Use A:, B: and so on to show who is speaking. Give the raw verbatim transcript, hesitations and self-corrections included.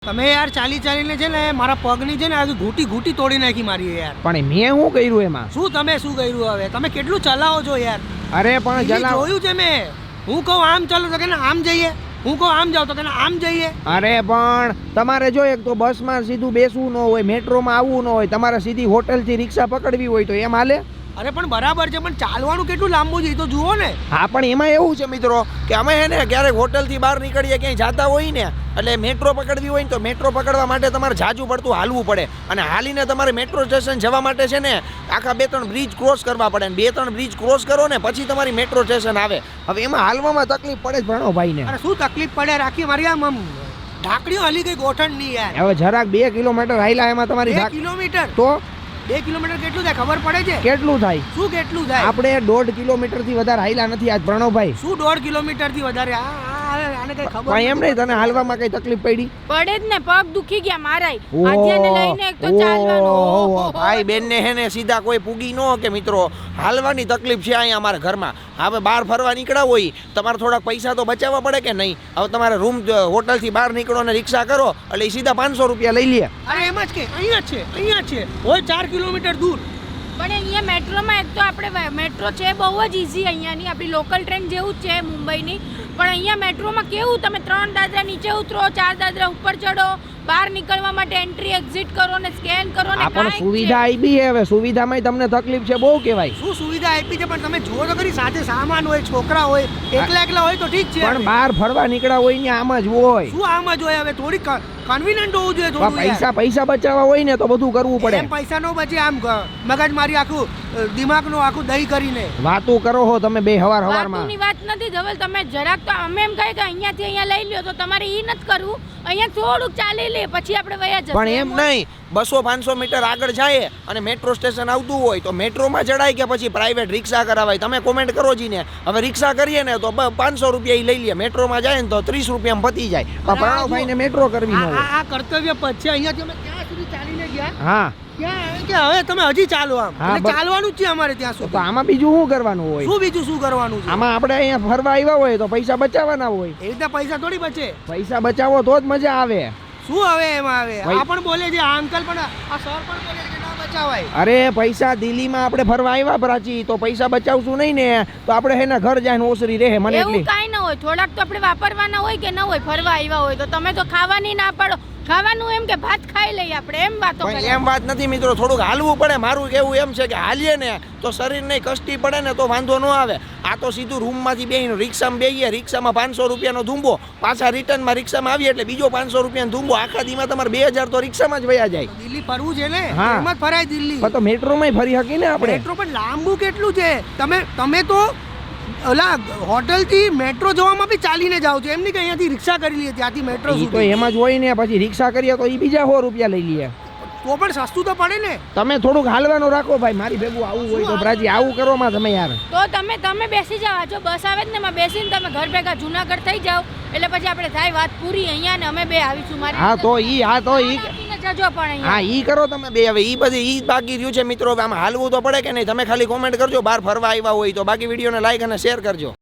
A: તમે યાર ચાલી ચાલીને છે ને મારા પગની છે ને આજે ઘૂંટી ઘૂંટી તોડી નાખી મારી યાર.
B: પણ મેં શું કર્યું એમાં?
A: શું તમે શું કર્યું હવે? તમે કેટલું ચલાવો છો યાર?
B: અરે પણ ચલાવ
A: જોયું છે મેં. હું કહું આમ ચાલો તો કે આમ જઈએ, હું કહું આમ જાવ તો કે આમ જઈએ.
B: અરે પણ તમારે જો એક તો બસમાં સીધું બેસવું ન હોય, મેટ્રોમાં આવવું ન હોય, તમારે સીધી હોટલથી રિક્ષા પકડવી હોય તો એમ હાલે?
A: અરે પણ બરાબર છે, પણ ચાલવાનું કેટલું લાંબુ છે એ તો જુઓ ને.
B: હા પણ એમાં એવું છે મિત્રો કે અમે હે ને ક્યારેક હોટલથી બહાર નીકળીએ ક્યાંય જતા હોય ને એટલે મેટ્રો પકડવી હોય ને તો મેટ્રો પકડવા માટે તમારે જાજુ પડતું હાલવું પડે અને હાલીને તમારે મેટ્રો સ્ટેશન જવા માટે છે ને આખા બે ત્રણ બ્રિજ ક્રોસ કરવા પડે ને બે ત્રણ બ્રિજ ક્રોસ કરો ને પછી તમારી મેટ્રો સ્ટેશન આવે. હવે એમાં હાલવામાં તકલીફ પડે જ ભણોભાઈને.
A: અરે શું તકલીફ પડે રાખી મારી આમ આમ ઢાકડીઓ હલી ગઈ ગોઠણ ની યાર.
B: હવે જરાક બે કિલોમીટર હાલ્યા એમાં તમારી
A: બે કિલોમીટર
B: તો
A: બે કિલોમીટર કેટલું થાય ખબર પડે છે?
B: કેટલું થાય?
A: શું કેટલું થાય?
B: આપણે દોઢ કિલોમીટર થી વધારે હાલ્યા નથી આજ પ્રણવભાઈ.
A: શું દોઢ કિલોમીટર થી વધારે? આને કઈ ખબર
B: પણ એમ નહીં, તને હાલવામાં કઈ તકલીફ પડી?
C: પડે જ ને, પગ દુખી ગયા મારાય. આધ્યાને લઈને એક તો ચાલવાનું.
B: ભાઈ બેન ને હે ને સીધા કોઈ પૂગી ન કે મિત્રો, હાલવાની તકલીફ છે અહીંયા અમારા ઘરમાં. હવે બહાર ફરવા નીકળ્યા હોય તમારે થોડાક પૈસા તો બચાવવા પડે કે નહીં? હવે તમારે રૂમ હોટલ થી બહાર નીકળો ને રિક્ષા કરો એટલે સીધા પાંચસો રૂપિયા લઈ લે.
A: અરે એમ જ કે અહીંયા છે અહીંયા છે હોય ચાર કિલોમીટર દૂર.
C: પણ અહીંયા મેટ્રોમાં એક તો આપણે મેટ્રો છે બહુ જ ઈઝી અહીંયાની, આપણી લોકલ ટ્રેન જેવું જ છે મુંબઈની. પણ અહીંયા મેટ્રોમાં કેવું, તમે ત્રણ દાદરા નીચે ઉતરો, ચાર દાદરા ઉપર ચડો, બહાર નીકળવા માટે એન્ટ્રી એક્ઝિટ કરો ને સ્કેન કરો ને.
B: પણ સુવિધા આવી છે, હવે સુવિધામાં તમને તકલીફ છે બહુ કહેવાય.
A: શું સુવિધા આપી છે પણ તમે જુઓ તો ખરી, સાથે સામાન હોય, છોકરા હોય, એકલા એકલા હોય તો ઠીક છે,
B: પણ બહાર ફરવા નીકળ્યા હોય ને આમ જ હોય.
A: શું આમ જ હોય? હવે થોડી કન્વીનિયન્ટ હોવું જોઈએ થોડું.
B: પૈસા પૈસા બચાવવા હોય ને તો બધું કરવું પડે.
A: એમ પૈસા નો બચે, આમ મગજ મારી આખું દિમાગ નું આખું દહીં કરીને
B: વાતું કરો હો તમે બે હવાર હવારમાં.
C: વાતની વાત નથી ધવલ, તમે જરાક તો અમે એમ કહે કે અહીંયાથી અહીંયા લઈ લ્યો તો તમારે ઈ નથી કરવું. અહીંયા થોડુંક ચાલી લે પછી આપણે વયા જઈએ.
B: પણ એમ નહીં, બસો પાંચસો મીટર આગળ જાય અને મેટ્રો સ્ટેશન આવતું હોય તો મેટ્રોમાં ચડાય કે પછી પ્રાઇવેટ રિક્ષા કરાવાય? તમે કોમેન્ટ કરો જી ને. હવે રિક્ષા કરીએ ને તો પાંચસો રૂપિયા લઈ લે, મેટ્રોમાં જાય ને તો ત્રીસ રૂપિયામાં પતી જાય. પ્રણવભાઈ ને મેટ્રો કરવી ન હોય.
A: આ કર્તવ્ય પદ છે. અહીંયાથી અમે ક્યાં સુધી ચાલીને ગયા?
B: હા
A: ક્યાં કે હવે તમે હજી ચાલો આમ. એટલે ચાલવાનું જ છે અમારે ત્યાં સુધી.
B: તો આમાં બીજું શું કરવાનું હોય?
A: શું બીજું શું કરવાનું છે?
B: આમાં આપણે અહીંયા ફરવા આવ્યા હોય તો પૈસા બચાવવાના હોય.
A: એ રીતે પૈસા થોડી બચે.
B: પૈસા બચાવો તો જ મજા આવે.
A: શું હવે એમાં આવે? આ પણ બોલે છે, આ અંકલ પણ, આ સર પણ બોલે છે કે ના બચાવાય.
B: અરે પૈસા દિલ્હીમાં આપણે ફરવા આવ્યા પ્રાચી, તો પૈસા બચાવશું નહીં ને તો આપણે હેના ઘર જાય ઓસરી રહે. મને
C: એવું કાઈ ન હોય, થોડાક તો આપણે વાપરવાના હોય કે ન હોય. ફરવા આવ્યા હોય તો તમે તો ખાવાની ના પાડો. ખાવાનું એમ કે ભાત ખાઈ લઈએ આપણે, એમ વાતો કરે.
B: એમ વાત નથી મિત્રો, થોડુંક હાલવું પડે. મારું કેવું એમ છે કે હાલીએ ને તો શરીરને કષ્ટી પડે ને તો વાંધો ન આવે. આ તો સીધું રૂમમાંથી બેહીને રિક્ષામાં બેહીએ, રિક્ષામાં પાંચસો રૂપિયાનો ધૂંબો, પાછા રિટર્નમાં રિક્ષામાં આવીએ એટલે બીજો પાંચસો રૂપિયાનો ધૂંબો. આખા દીમાં તમારે બે હજાર તો રિક્ષામાં જ વયા જાય.
A: દિલ્હી ફરવું છે ને,
B: હા.
A: એમ જ ફરાય દિલ્હી.
B: તો મેટ્રોમાં ફરી શકી ને આપણે.
A: મેટ્રો પણ લાંબુ કેટલું છે? તમે તમે તો ઓલા હોટલ થી મેટ્રો જવામાં બી ચાલીને જાવ છો, એમ નહીં કે અહીંયાથી રિક્ષા કરી લઈએ ત્યાંથી મેટ્રો
B: ઈ તો એમાં જ હોય ને. પછી રિક્ષા કરીએ તો ઈ બીજા સો રૂપિયા લઈ લઈએ.
A: તો પણ સસ્તું તો પડે ને.
B: તમે થોડુંક હાલવાનું રાખો ભાઈ. મારી ભેગું આવું હોય તો પ્રાચી આવું કરો માં તમે યાર.
C: તો તમે તમે બેસી જાવ, જો બસ આવે ને એમાં બેસીને તમે ઘર ભેગા જુનાગઢ થઈ જાવ એટલે પછી આપણે થાય વાત પૂરી. અહીંયા ને અમે બે આવીશું મારી.
B: હા તો ઈ હા તો ઈ
C: જજો પણ
B: હા ઈ કરો તમે બે. હવે ઈ બધી ઈ બાકી રહ્યું છે મિત્રો. આમાં હાલવું તો પડે કે નહીં? તમે ખાલી કોમેન્ટ કરજો બહાર ફરવા આવ્યા હોય તો. બાકી વિડીયોને લાઈક અને શેર કરજો.